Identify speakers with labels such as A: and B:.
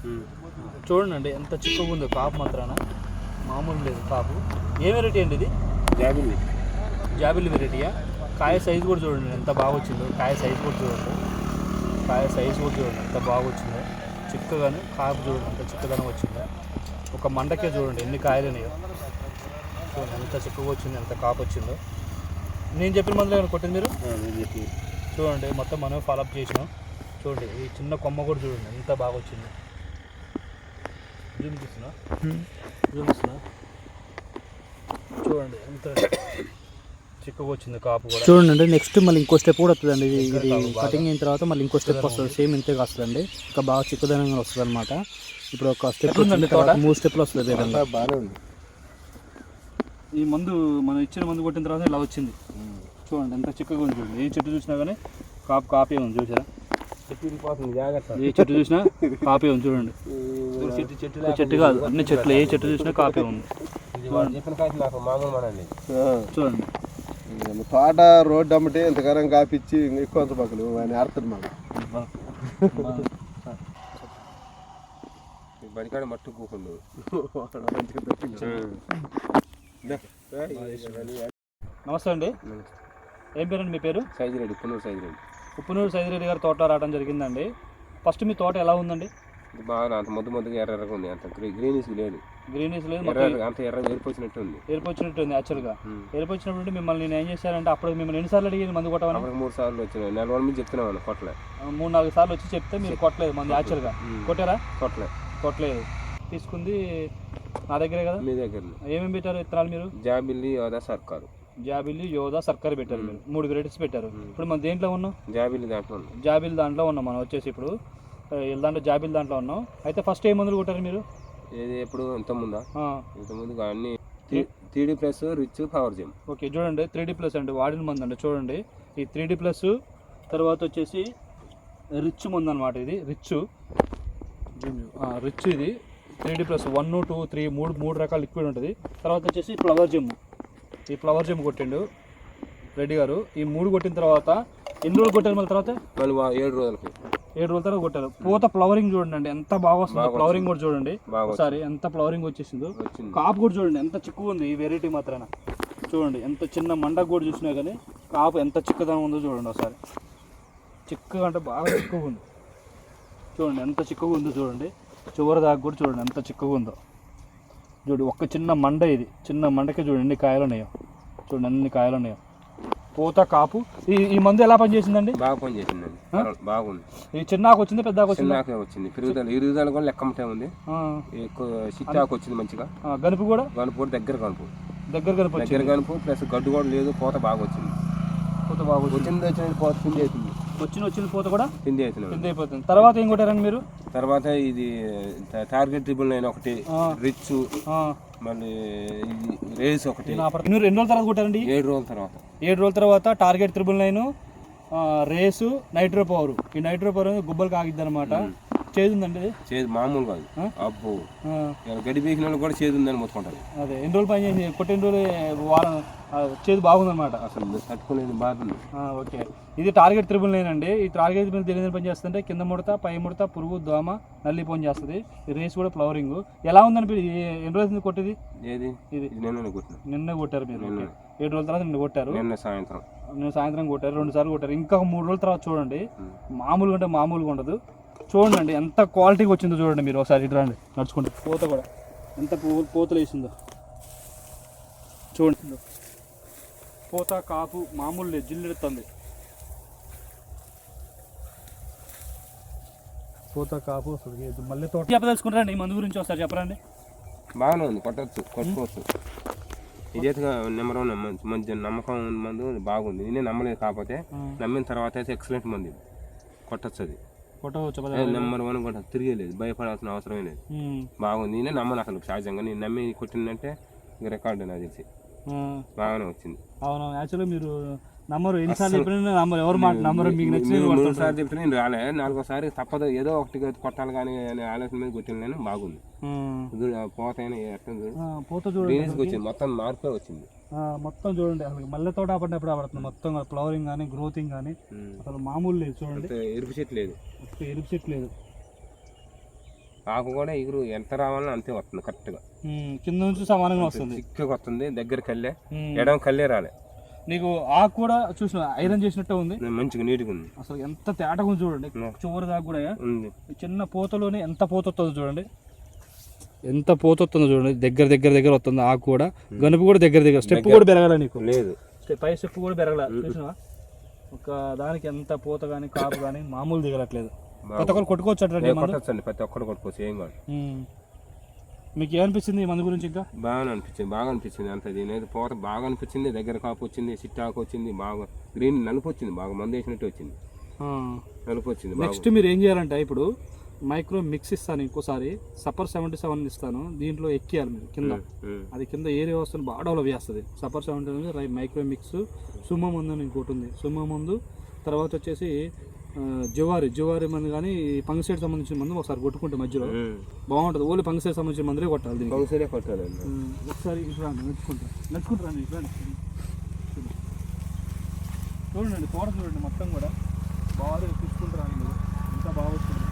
A: చూడండి ఎంత చిక్కగా ఉందో కాపు మాత్రాన మామూలు లేదు కాపు. ఏ వెరైటీ అండి ఇది? జాబిల్లి వెరైటీయా? కాయ సైజు కూడా చూడండి ఎంత బాగా వచ్చిందో. కాయ సైజు కూడా చూడండి ఎంత బాగా వచ్చిందో. చిక్కగానే కాపు చూడండి ఎంత చిక్కదనం వచ్చిందో. ఒక మండకే చూడండి ఎన్ని కాయలు ఉన్నాయో. చూడండి ఎంత చిక్కగా వచ్చింది, ఎంత కాపు వచ్చిందో. నేను చెప్పిన మందులు ఏమైనా కొట్టింది మీరు? చూడండి మొత్తం మనం ఫాలోఅప్ చేసినాం. చూడండి ఈ చిన్న కొమ్మ కూడా చూడండి ఎంత బాగా వచ్చింది. జూమ్ తీస్తున్నా చూడండి ఎంత చిక్కగా వచ్చింది కాపు కూడా. చూడండి నెక్స్ట్ మళ్ళీ ఇంకో స్టెప్ కూడా వస్తుందండి. ఇది కటింగ్ అయిన తర్వాత మళ్ళీ ఇంకో స్టెప్ వస్తుంది. సేమ్ ఇంతే వస్తుందండి. ఇంకా బాగా చిక్కదనంగా వస్తుంది అనమాట. ఇప్పుడు ఒక స్టెప్ ఉందండి, 3 స్టెప్లు వస్తుంది. బాగానే ఉంది. ఈ మందు మనం ఇచ్చిన మందు కొట్టిన తర్వాత ఇలా వచ్చింది. చూడండి ఎంత చిక్కగా ఉంది. చూడండి ఏ చెట్టు చూసినా కానీ కాపే ఉంది. చూసారా? ఏ చెట్టు చూసినా కాపే ఉంది. చూడండి చెట్టు కాదు అన్ని చెట్లు, ఏ చెట్టు చూసినా కాపే ఉంది. చూడండి
B: తోట రోడ్డు అమ్మటే ఇంతకాలం కాపిచ్చి ఎక్కువ పక్కలు ఆయన ఆడుతుంది మాకు బడికాడ మట్టు కూకుండు.
A: నమస్తే అండి. ఏం పేరండి మీ పేరు?
B: సైజిరెడ్డి,
A: ఉప్పునూరు సైజిరెడ్డి గారు తోట రావడం జరిగిందండి. ఫస్ట్ మీ తోట ఎలా ఉందండి?
B: బాగా అంత ముద్దుగా ఎర్రగా ఉంది. అంత గ్రీనిష్ లేదు, అంత ఎర్ర ఏర్పొచ్చినట్టు ఉంది.
A: యాక్చువల్గా ఏర్పొచ్చినప్పుడు మిమ్మల్ని నేను ఏం చేశానంటే అప్పుడు మిమ్మల్ని ఎన్నిసార్లు అడిగి మందు కొట్టమని?
B: 3 సార్లు వచ్చినాయి. 4 రోజుల నుంచి చెప్తున్నాను కొట్టలే.
A: 3-4 సార్లు వచ్చి చెప్తే మీరు కొట్టలేదు మందు. యాక్చువల్గా కొట్టారా? కొట్టలేదు. తీసుకుంది నా దగ్గరే కదా. మీ దగ్గర ఏమేమి పెట్టారు విత్తనాలు మీరు? జాబిల్లి యోధా సర్కార్ పెట్టారు. మీరు 3 వెరైటీస్ పెట్టారు. ఇప్పుడు మనం దేంట్లో ఉన్నాం? జాబిల్లి దాంట్లో ఉన్నాం మనం వచ్చేసి. ఇప్పుడు జాబిల్లి దాంట్లో ఉన్నాం. అయితే ఫస్ట్ ఏ మందులు కొట్టారు మీరు?
B: ఎప్పుడు ఇంతకుముందు అన్ని 3D plus rich power gem.
A: Okay చూడండి 3D ప్లస్ అండి వాడిన మందు అండి. చూడండి ఈ 3D ప్లస్ తర్వాత వచ్చేసి రిచ్ మందు అనమాట. ఇది రిచ్ ఇది 3D ప్లస్ 1, 2, 3 3 రకాల లిక్విడ్ ఉంటుంది. తర్వాత వచ్చేసి ఫ్లవర్ జెమ్ కొట్టిండు రెడ్డి గారు. ఈ 3 కొట్టిన తర్వాత ఎన్ని రోజులు కొట్టారు? మళ్ళీ తర్వాత
B: 7 రోజుల
A: తర్వాత కొట్టారు. పూత ఫ్లవరింగ్ చూడండి ఎంత బాగా వస్తుంది. ఫ్లవరింగ్ కూడా చూడండి ఒకసారి ఎంత ఫ్లవరింగ్ వచ్చేసిందో. కాపు కూడా చూడండి ఎంత చిక్కుగా ఉంది ఈ వెరైటీ మాత్రాన. చూడండి ఎంత చిన్న మండకు కూడా చూసినా కానీ కాపు ఎంత చిక్కదనం ఉందో చూడండి ఒకసారి. చిక్కగా అంటే బాగా చిక్కుగా ఉంది. చూడండి ఎంత చిక్కుగా ఉందో చూడండి. చివరి దాకా కూడా చూడండి ఎంత చిక్కుగా ఉందో. చూడండి ఒక్క చిన్న మండ, ఇది చిన్న మండకే చూడండి ఎన్ని కాయలు ఉన్నాయో. చూడండి అన్ని కాయలు ఉన్నాయో. పూత కాపు ఈ మందు ఎలా పనిచేసిందండి?
B: బాగా పనిచేసిందండి, బాగుంది.
A: ఈ చిన్నాకు వచ్చింది పెద్ద
B: వచ్చింది పెరుగుదల కూడా లెక్కమటే ఉంది. ఎక్కువ చిట్టాకు వచ్చింది మంచిగా.
A: గనుపు కూడా
B: దగ్గర గనుపు ప్లస్ గడ్డు కూడా లేదు. పూత బాగా వచ్చింది.
A: వచ్చిన పూత కూడా
B: పిండి
A: అయిపోతుంది. తర్వాత ఏం కొట్టారండి మీరు?
B: తర్వాత ఇది టార్గెట్ 9 ఒకటి, రిచ్, మళ్ళీ ఇది రేస్ ఒకటి.
A: మీరు 2 రోజుల తర్వాత కొట్టారండి?
B: 7 రోజుల
A: తర్వాత టార్గెట్ 999, రేసు, నైట్రో పవర్. ఈ నైట్రో పవర్ గుబ్బలు కాగిద్ది అనమాట. చేదు ఉందండి?
B: చేదు మామూలు కాదు. అబ్బో గడ్డి పీకిన వాళ్ళు కూడా చేదు ఉందని మొత్తుకుంటారు.
A: అదే ఎన్ని రోజులు పని చేసి కొట్టిన రోజులు వారం చేదు బాగుందన్నమాట.
B: అసలు తట్టుకోలేని బాధ.
A: ఓకే ఇది టార్గెట్ 999 అండి. ఈ టార్గెట్ మీద తెలియని పని చేస్తుంటే కింద ముడత, పై ముడత, పురుగు, దోమ, నల్లి పని చేస్తుంది. ఈ రేస్ కూడా ఫ్లవరింగ్ ఎలా ఉందని ఎన్ని రోజులు కొట్టేది?
B: ఇది నిన్న
A: కొట్టారు మీరు? 7 రోజుల తర్వాత నిన్న కొట్టారు.
B: నిన్న
A: సాయంత్రం కొట్టారు. 2 సార్లు కొట్టారు. ఇంకా 3 రోజుల తర్వాత చూడండి మామూలుగా అంటే మామూలుగా ఉండదు. చూడండి ఎంత క్వాలిటీగా వచ్చిందో చూడండి మీరు ఒకసారి. ఇటు రండి నడుచుకుంటే. పూత కూడా ఎంత పూతలు వేసిందో చూడండి. పూత కాపు మామూలు లేదు, జిల్లెడుతుంది. పూత కాపు అసలు మళ్ళీ తోట చెప్పదలుచుకుంటారండి. ఈ మందు గురించి ఒకసారి చెప్పరండి.
B: బాగానే ఉంది, కొట్టుకోవచ్చు. ఇదైతే నెంబర్ 1 మంచి నమ్మకం మందు బాగుంది. నేనే నమ్మలేదు, కాకపోతే నమ్మిన తర్వాత అయితే ఎక్సలెంట్ మంది కొట్టచ్చు. అది నెంబర్ 1 కొట్ట తిరిగేలేదు, భయపడాల్సిన అవసరమే లేదు. బాగుంది. నేనే నమ్మను అసలు సహజంగా. నేను నమ్మి కొట్టిందంటే రికార్డు నాకు తెలిసి బాగానే వచ్చింది.
A: అవును యాక్చువల్గా మీరు నంబరు ఎన్నిసార్లు చెప్పినా నంబర్ ఎవరు మాట నంబర్ మీకు నచ్చింది
B: 3 సార్లు చెప్పినా నేను రాలే. 4వ తప్పదు ఏదో ఒకటి కొట్టాలి కానీ అనే ఆలోచన మీద కొట్టిన నేను. బాగుంది. పోత వచ్చింది, మొత్తం మార్పే వచ్చింది.
A: మొత్తం చూడండి అసలు మల్లె తోట పడినప్పుడు పడుతుంది. మొత్తం ఫ్లవరింగ్ కానీ గ్రోతింగ్ కానీ అసలు మామూలు లేదు. చూడండి ఎరుపు చెట్టు లేదు.
B: ఆకు కూడా ఎగురు ఎంత రావాలని అంతే వస్తుంది కరెక్ట్గా.
A: కింద నుంచి సమానంగా వస్తుంది,
B: చిక్కగా వస్తుంది. దగ్గర కల్లే, ఎడం కల్లే రాలే.
A: నీకు ఆకు కూడా చూసిన ఐరన్ చేసినట్టు ఉంది,
B: మంచిగా నీట్గా ఉంది.
A: అసలు ఎంత తేటగా ఉంది చూడండి. చివరి దాకా కూడా
B: ఉంది.
A: చిన్న పూతలోనే ఎంత పూత వస్తుందో చూడండి, ఎంత పూత వస్తుందో చూడండి. దగ్గర దగ్గర దగ్గర వస్తుంది ఆకు కూడా, గనుపు కూడా దగ్గర దగ్గర. స్టెప్ కూడా పెరగాల నీకు,
B: లేదు
A: పై స్టెప్ కూడా పెరగల. చూసినా ఒక దానికి ఎంత పూత కానీ కాపు కానీ మామూలు దిగలట్లేదు. ప్రతి ఒక్కరు కొట్టుకోవచ్చు అట్లా,
B: కొట్టచ్చండి, ప్రతి ఒక్కరు కొట్టుకోవచ్చు, ఏం కాదు.
A: మీకు ఏమనిపించింది ఈ మందు గురించి? ఇంకా
B: బాగా అనిపించింది అంత. దీని పూత బాగా అనిపించింది. దగ్గర కాపు వచ్చింది, సిట్టాకు వచ్చింది, బాగా గ్రీన్ నలుపు వచ్చింది, బాగా మందు వేసినట్టు వచ్చింది, నలుపు వచ్చింది.
A: నెక్స్ట్ మీరు ఏం చేయాలంటే ఇప్పుడు మైక్రో మిక్స్ ఇస్తాను, ఇంకోసారి సపర్ 77 ఇస్తాను, దీంట్లో ఎక్కియాలి మీరు కింద. అది కింద ఏరియా వస్తుంది, బాగా డెవలప్ చేస్తుంది. సపర్ 77 మైక్రో మిక్స్, సుమ్మ మందు అని ఇంకోటి ఉంది, సుమ్మ మందు. తర్వాత వచ్చేసి జువారి మందు కానీ పంగసైడ్ సంబంధించిన మందు ఒకసారి కొట్టుకుంటే మధ్యలో బాగుంటుంది. ఓన్లీ పంగసైడ్ సంబంధించిన మందులే కొట్టాలి,
B: కొట్టాలి.
A: ఒకసారి ఇట్లా నడుచుకుంటారండి ఇట్లా చూడండి, తోట చూడండి మొత్తం కూడా బాగా తీసుకుంటారా, ఎంత బాగా వస్తుంది.